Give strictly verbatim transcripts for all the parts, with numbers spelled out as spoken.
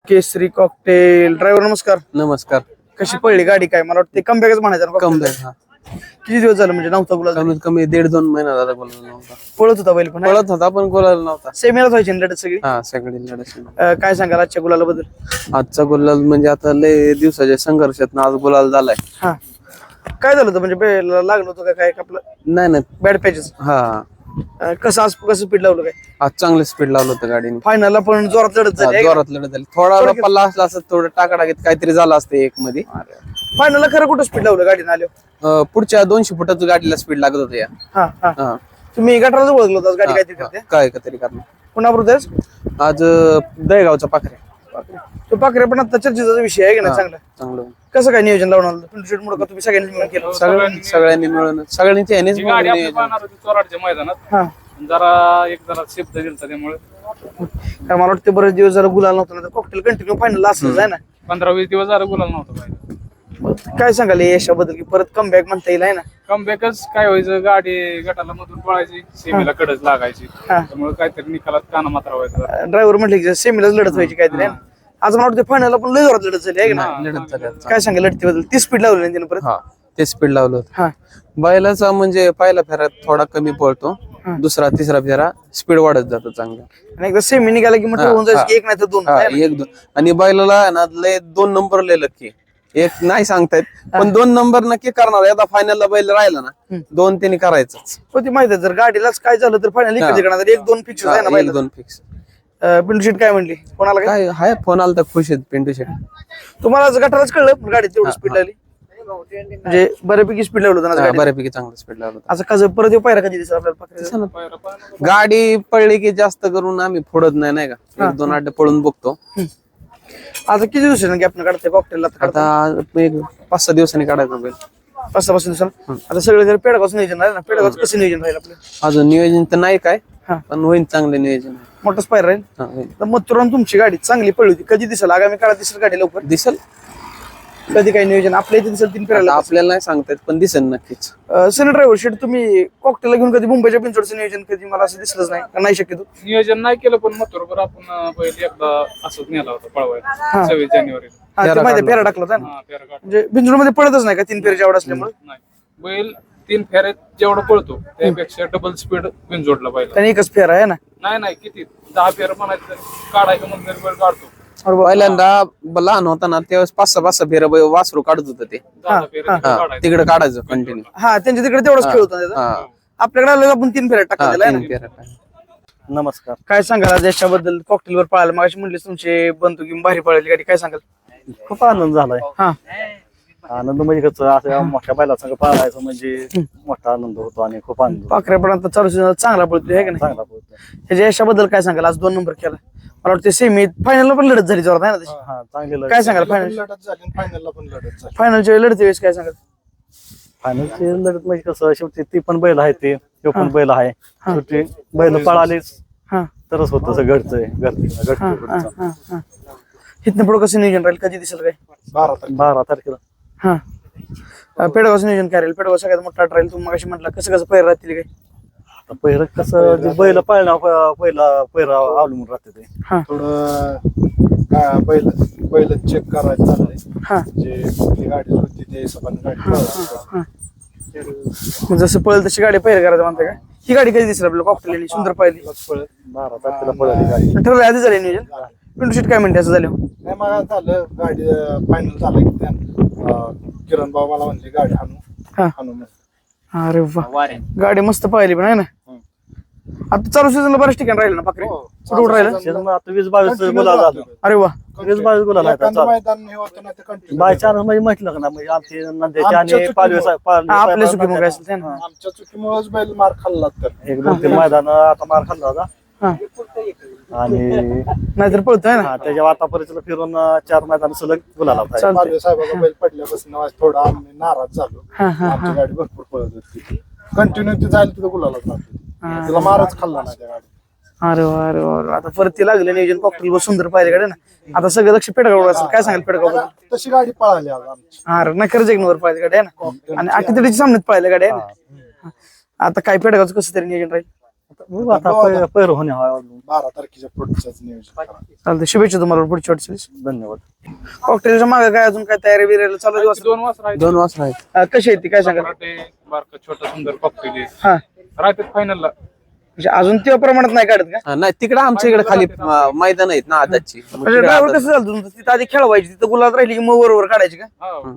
केसरी cocktail driver नमस्कार. नमस्कार. कशी पडली गाडी? काय मला वाटतं कमबॅकच म्हणायचं ना. कमबॅक. हा, किती दिवस झालं म्हणजे नव्हता गुलाल? कमीत कमी दीड दोन महिना झाला गुलाल नव्हता. पळत होता बैल पण पळत होता पण गुलाल नव्हता. सेमीलाच व्हायची ना लढत सगळी. हा, सगळी लढत. अं, काय सांगाल आजच्या गुलालाबद्दल? आजचा गुलाल म्हणजे आता लय दिवसाच्या संघर्षात आज गुलाल झालाय. हा, काय झालं होतं म्हणजे बैलाला लागलं होतं का काय आपलं? नाही नाही. Bad patches. हा, कसं आज कसं स्पीड लावलं काय? आज चांगलं स्पीड लावलं होतं गाडीने. फायनलला पण जोरात लढत झाली. जोरात लढत झाली. थोडा पल्ला असला असं थोडं टाकाटाकीत काहीतरी झालं असतं एक मध्ये. फायनलला खरं कुठं स्पीड लावलं गाडीने आलो? अं, पुढच्या दोनशे फुटाचं गाडीला स्पीड लागत होतं या. हा हा. हा, तुम्ही गटाराच ओळखलं होतं गाडी काहीतरी करते काय का तरी कारण पुन्हा बरोबर आज अं, दहेगावचा पाखरे. तो पाखरे पण आता चर्चेचा विषय आहे की नाही? चांगला. चांगलं. कसं काय नियोजन लावून आलं मुळे का तुम्ही सगळ्यांनी मिळून केलं? सगळ्यांनी सगळ्यांनी मिळून सगळ्यांनी ह्यानेच मिळून गाडी आपली नियोजन. पाहणार होती चोराडच्या मैदानात. हा, जरा एक जरा शब्द दिलता त्यामुळे कारण मला वाटतं बरेच दिवस जरा गुलाल नव्हता तर कॉकटेल कंटिन्यू फायनल असंच आहे ना. पंधरा वीस दिवस जरा गुलाल नव्हता पाहिजे. काय सांगाल या यशाबद्दल की परत कमबॅक म्हणता येईल आहे ना? कमबॅकच काय व्हायचं, गाडी गटाला मधून पळायची, सेमीला कडच लागायची. हा. त्यामुळे काहीतरी निकालात काना मात्रा व्हायचा. ड्रायव्हर म्हटले की सेमीलाच लढत व्हायची काहीतरी आहे ना? आज मला वाटतं फायनलला पण लय जोरात लढत झाली आहे की ना? लढत झाली आज. काय सांगाल लढतीबद्दल? ती स्पीड लावली ना तिने परत. हा, ते स्पीड लावलं होतं. हा बैलाचा म्हणजे पहिला फेऱ्यात थोडा कमी पळतो, दुसरा तिसरा फेरा स्पीड वाढत जातो चांगला. आणि एकदा सेमी निघाला की म्हटलं होऊन जायचं की एक नाही तर दोन. हा, आहे ना? एक दोन. आणि बैलाला आहे ना लय दोन नंबर लय लक्की. एक नाही सांगतायत पण दोन नंबर नक्की करणार. आता फायनलला बैल राहिला ना दोन त्यांनी करायचंच. हो ती माहिती आहे जर गाडीलाच काय झालं तर फायनल इकडे करणार. एक दोन फिक्स आहे ना एक बैल. दोन फिक्स. पिंटू शेट काय म्हणली कोणाला काय? काय हाय फोन आला तर खुश आहेत पिंटू शेट. तुम्हाला आज गटाराच कळलं पण गाडी तेवढी स्पीड लागली म्हणजे बऱ्यापैकी स्पीड लावलं होतं ना हा, गाडी. बऱ्यापैकी चांगलं स्पीड लावलं होतं. असं कसं परत येऊ पायरा कधी दिसला आपल्याला पाखरे? गाडी पडली की जास्त करून आम्ही फोडत नाही नाही का, एक दोन आठ पळून बघतो. आता किती दिवसांनी गॅप काढते कॉकटेल? आता एक पाच सहा दिवसांनी काढायचा बैल. पाच सहा पाच दिवसांना. आता सगळे जर पेडगावचं नियोजन राहील ना, पेडगावचं कसं नियोजन राहील आपलं? अजून नियोजन तर नाही काय, हा. पण होईल चांगलं नियोजन. मोठंच पायर राहील. हा, होईल. तर मथुरान तुमची गाडी चांगली पडली होती, कधी दिसेल आगामी काळात? दिसेल गाडी लवकर? दिसल. कधी काही नियोजन आपल्या इथे दिसेल तीन आता फिरायला? आपल्याला नाही सांगता येत पण दिसेल नक्कीच. सनी ड्रायव्हर शेट तुम्ही कॉकटेलला घेऊन कधी मुंबईच्या पिंचोडचं नियोजन कधी मला असं दिसलंच नाही का? नाही शक्यतो नियोजन नाही केलं पण मग बरोबर आपण पहिले एकदा असंच नेला होता पळवायला सव्वीस जानेवारीला. हा ते माहिती फेरा टाकला होता ना. हा, फेरा काढला. म्हणजे बिंजोडमध्ये पडतच नाही का तीन फेरीच्या आवड असल्यामुळे? नाही, बैल तीन फेऱ्यात जेवढं पळतो त्यापेक्षा डबल स्पीड जोडला पाहिजे. त्याने एकच फेरा आहे ना. नाही नाही किती दहा फेर म्हणायचं तरी काढायचं म्हणून तरी बैल काढतो. पहिल्यांदा ब- लहान होता ना त्यावेळेस पाच सहा पाच सहा फेर वासरू काढत होतं ते. दहा फेऱ्या हा, काढायचं. तिकडे काढायचं कंटिन्यू. हा त्यांच्या तिकडे तेवढाच खेळ होता त्याचा. हा, आपल्याकडे आलेला आपण तीन फेऱ्या टाकला हा, त्याला आहे तीन ना. फेऱ्या काय. नमस्कार. काय सांगाल आज याच्याबद्दल? कॉकटेलवर पळायला मग म्हणले तुमचे बंधू की भारी पळाली गाडी, काय सांगाल? खूप आनंद झालाय. हा आनंद म्हणजे कसं असं मोठ्या बैला संग पाळायचं म्हणजे मोठा आनंद होतो आणि खूप आनंद होतो. पाखऱ्या पण आता चालू season चांगला पळतोय आहे का नाही? चांगला पोहोचतो. ह्याच्या यशाबद्दल काय सांगाल? आज दोन नंबर केला, मला वाटतं सेमी फायनलला पण लढत झाली जोरात आहे ना तशी. हा, चांगली लढत. काय सांगाल फायनल लढत झाली फायनलला पण लढत झाली. फायनलच्या वेळी लढते वेळेस काय सांगाल? फायनलची लढत म्हणजे कसं शेवटी ती पण बैल आहे, ते तो पण बैल आहे. शेवटी बैल पळालीच हा तरच होतं असं घडचंय घडचं हा घडचं हा हा हा इथनं पुढं कसं नियोजन राहील? कधी दिसेल काय? बारा तारीख बारा तारखेला. हा पेडगावचं नियोजन काय राहील? पेडगाव सगळ्यात मोठा राहील. तुम्ही मगाशी म्हटलं कसं कसं पैर राहतील काय? आता पहिलं कसं जे बैल पाळणं पहिला पहिला अवलंबून राहते ते. हा थोडं काय बैल बैल चेक करायचं चाललंय. हा जे कुठली गाडी होती ते हिशोबाने गाडी पळवायची. हा मग जसं पळेल तशी गाडी पैर करायचं म्हणते का? ही गाडी कधी दिसेल आपल्याला कॉकटेल सुंदर पाहिली? पळत बारा तारखेला पळाली गाडी. ठरलं आधी झालं नियोजन? पिंटू शेट काय म्हणते असं झालं? नाही मग झालं गाडी फायनल झालं की त्या अं, किरण भाऊ मला म्हणले गाडी आणू हा आणू म्हणून. अरे वा गाडी मस्त पाहिली पण आहे ना. आता चालू सीझनला बऱ्याच ठिकाणी राहिलं ना पाखरे? हो, कुठं कुठं राहिलं? शेजारी मग आता वीस बावीस गुलाल झालं. अरे वा वीस बावीस गुलाल आहेत एखादं आता. मैदान हे होतं ना ते कंटिन्यू बाय चान्स म्हणजे म्हटलं का ना म्हणजे आमचे नंद्याचे आमच्या आणि चुकीमुळं. पालवे साहेब- पालवे हा, आपल्या साहेब- चुकीमुळे असेल ते ना. आमच्या चुकीमुळेच बैल मार खाल्ला तर एक दोन तीन मैदान आता मार खाल्ला होता हा आणि नाहीतर पळतोय ना. हा, त्याच्या आतापर्यंत फिरून अं, चार मैदान सलग गुलाल होता. चालतंय. पालवे साहेबाचा बैल पडल्यापासून आज थोडा आम्ही नाराज झालो. हा हा आमची गाडी भरपूर पळत होती, कंटिन्यू ती जायला तिथं गुलालाच राहते. तिला मारच खाल्ला नाही त्या गाडी. अरे वा अरे वा अरे वा. आता परत ते लागलं नियोजन कॉकटेल वर सुंदर पाहिजे गाडी ना. आता सगळं लक्ष पेडगाव असेल. काय सांगाल पेडगाव बद्दल? तशी गाडी पळाली आज आमची. अरे नाही खरंच एक नंबर पाहिजे गाडी आहे ना. आणि अटीतडीच्या सामन्यात पाहिलं गाडी आहे ना. आता काय पेडगावचं कसं तरी नियोजन राहील? बघू आता पै- पैर होणे हा अजून. बारा तारखेच्या पुढच्याच नियोजन करा. चालतंय, शुभेच्छा तुम्हाला पुढच्या वाटचालीस. धन्यवाद. कॉकटेलच्या मागे काय अजून काय तयारी बिरायला चालू आहे दिवस? दोन वाजता दोन वाजता आहेत. अं, कशी आहे ती काय सांगा? बारका छोटा सुंदर कॉकटेल हा राहतात फायनलला. म्हणजे अजून तेव्हा प्रमाणात नाही काढत का? हा, नाही तिकडे आमच्या इकडे खाली अं, मैदान आहेत ना आदाची मग म्हणजे तिकडे ड्रायव्हर आदत- कसं झालं तुमचं? तिथं आधी खेळवायची, तिथं गुलाब राहिली की मग बरोबर काढायची का?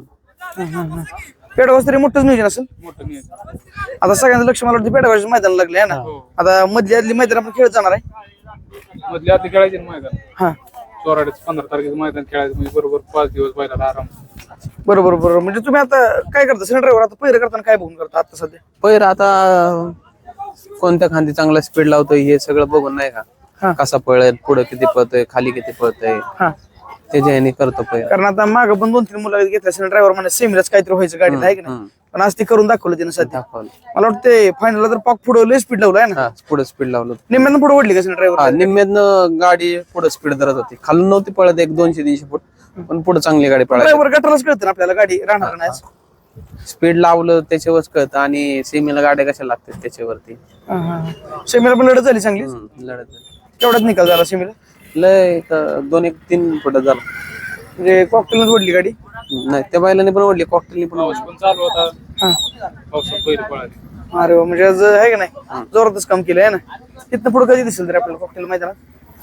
हा पेडगाव तरी मोठंच नियोजन असेल. मोठं नियोजन. आता सगळ्यांचं लक्ष मला वाटतं पेडगावच्या मैदान लागले आहे ना. हो. आता मधली आदली मैदान आपण खेळत जाणार आहे. मधल्या आधी खेळायचे ना मैदान. हा चोराडीच पंधरा तारखेचं मैदान खेळायचं म्हणजे बरोबर पाच दिवस बैलाला आराम. बरोबर बरोबर. म्हणजे तुम्ही आता काय करता सिलेंडर ड्रायव्हर? आता पहिलं करताना काय बघून करता आता सध्या? पैर आता कोणत्या खांदी चांगला स्पीड लावतोय हे सगळं बघून नाही हा. का कसा पळेल, पुढे किती पळतोय, खाली किती पळतोय, हा त्याच्या ह्याने करतो पैर. कारण आता मागं पण दोन तीन मुलाखत घेतल्या सिलेंडर ड्रायव्हर म्हणजे सेमीलाच काहीतरी व्हायचं गाडीत आहे की नाही, हम्म. पण आज ती करून दाखवलं तिने सध्या. दाखवलं. मला वाटतं फायनलला तर पाक पुढे लय स्पीड लावलं आहे ना. हा पुढे स्पीड लावलं. निम्म्यानं पुढे ओढली का सिलेंडर हा ड्रायव्हर? निम्म्यातनं गाडी पुढे स्पीड धरत होती, खालून नव्हती पळत एक दोनशे तीनशे फूट, पण पुढे चांगली गाडी पळायची. ड्रायव्हर गटारच कळतं ना आपल्याला गाडी राहणार नाही. स्पीड लावलं त्याच्यावरच कळतं आणि सेमीला गाड्या कशा लागतात त्याच्यावरती. सेमीला पण लढत झाली चांगली. हम्म, लढत झाली. केवढ्यात निकाल झाला सेमीला? लय एक दोन एक तीन फुट झालं. म्हणजे कॉकटेलच ओढली गाडी. नाही त्या बैलाने पण ओढली, कॉकटेलने पण पाऊस ओढली. पण चालू होता. हा पावसात बैल पळाले. अरे वा, म्हणजे आज आहे का नाही जोरातच काम केलं आहे ना. तिथनं पुढे कधी दिसेल तरी आपल्याला कॉकटेल मैदानात?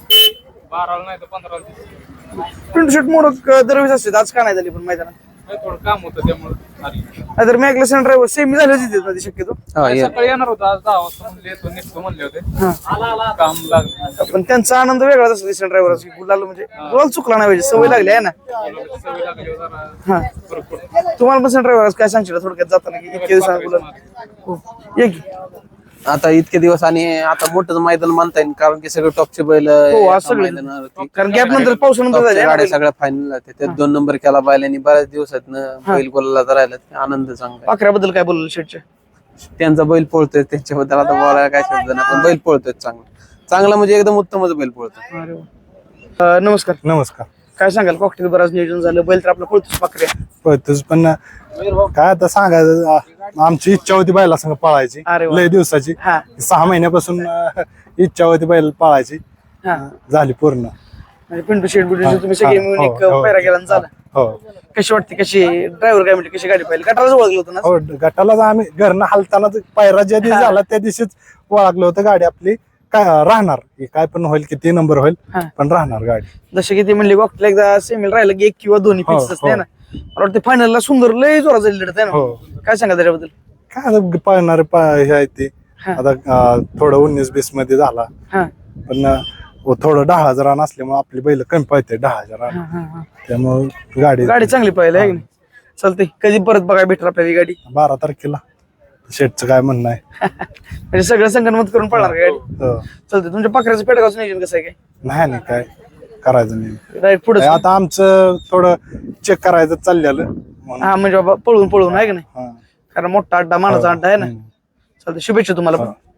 बाराला नाही तर पंधराला. प्रिंट शर्ट मोड दरवेळेस असते, आज का नाही झाली पण मैदानात? काही थोडं काम होतं त्यामुळे आली. नाहीतर मी ऐकलं सिलेंडर ड्रायव्हर सेमी झाली होती तिथं मध्ये शक्यतो. हा ये. सकाळी येणार होतं आज दहा वाजता म्हणले येतो निघतो म्हणले होते. हा काम लागलं. पण त्यांचा आनंद वेगळाच असतो सिलेंडर ड्रायव्हरचा. गुलाल म्हणजे गुलाल चुकला नाही पाहिजे, सवय लागली आहे ना. सवय लागली जरा हा फरक पडतो. तुम्हाला पण सिलेंडर ड्रायव्हर काय सांगशील थोडक्यात जाताना की इतके दिवस गुलाल? हो ये की. आता इतके दिवस आणि आता मोठंच मैदान मानता येईल कारण की सगळे टॉपचे बैल हो, आज एका सगळे. मैदानावरती. कारण गॅप नंतर पावसानंतर टॉपच्या झाले गाड्या ना. सगळ्या फायनल त्यात दोन नंबर केला बैलांनी बऱ्याच दिवसात बैल गोलाला राहिला, आनंद चांगला आहे. पाखऱ्याबद्दल काय बोललं शेटच्या? त्यांचा बैल पळतोय त्यांच्याबद्दल आता बोलायला काय शब्द नाही, पण बैल पळतोय चांगला चांगला म्हणजे एकदम उत्तमच बैल पळतोय. अरे वा. अं, नमस्कार. नमस्कार. काय सांगाल? कॉकटेल बराच नियोजन झालं, बैल तर आपला पळतोच पाखऱ्या. पळतोच पण काय आता सांगायचं, आ- आमची इच्छा होती बैला संग पळायची अरे वा. लय दिवसाची. हा सहा महिन्यापासून अं, इच्छा होती बैल पळायची, हा झाली पूर्ण. म्हणजे पिंटू शेट बिंटू तुम्ही सगळे हा, मिळून हो, एक हो. पैरा केला आणि झाला. हो कशी वाटते, कशी ड्रायव्हर काय म्हणते, कशी गाडी पाहिली? गटाराच ओळखलं होतं ना. हो गटालाच आम्ही घरनं हालताना पायरा ज्या दिवशी झाला त्या दिवशीच ओळखलं होतं गाडी आपली काय राहणार, हे काय पण होईल, किती नंबर होईल हा. पण राहणार गाडी. जसे की ते म्हणले कॉकटेल एकदा सेमील राहिलं की एक किंवा दोन्ही हो, फिक्स असते हो. ना. मला वाटतं फायनलला सुंदर लय जोरात झाली लढत आहे हो. ना. काय सांगा त्याच्याबद्दल? काय आता पळणारे पा- हे आहे ते हा. आता अं, थोडं उन्नीस बीस मध्ये झाला, हा पण अं, व थोडं दहा हजार रान असल्यामुळे आपली बैल कमी पळते दहा हजार रान, हा, हा, हा. त्यामुळे गाडी गाडी चांगली पाहिली आहे की नाही? चालते कधी परत बघायला भेटणार आपल्याला ही गाडी? बारा तारखेला शेटचं काय म्हणणं आहे. म्हणजे सगळं संगणमत करून पडणार का गाडी? हो. चालते. तुमच्या पाखऱ्याचं पेटगावचं नियोजन कसं आहे काय? नाही नाही काय करायचं नाही. डायरेक्ट पुढे आता आमचं थोडं चेक करायचं चाललेलं म्हणून. हा म्हणजे बाबा पळून पळून आहे की नाही? हा. कारण मोठा अड्डा मानाचा अड्डा आहे ना. हम्म. चालते, शुभेच्छा तुम्हाला पण. हा.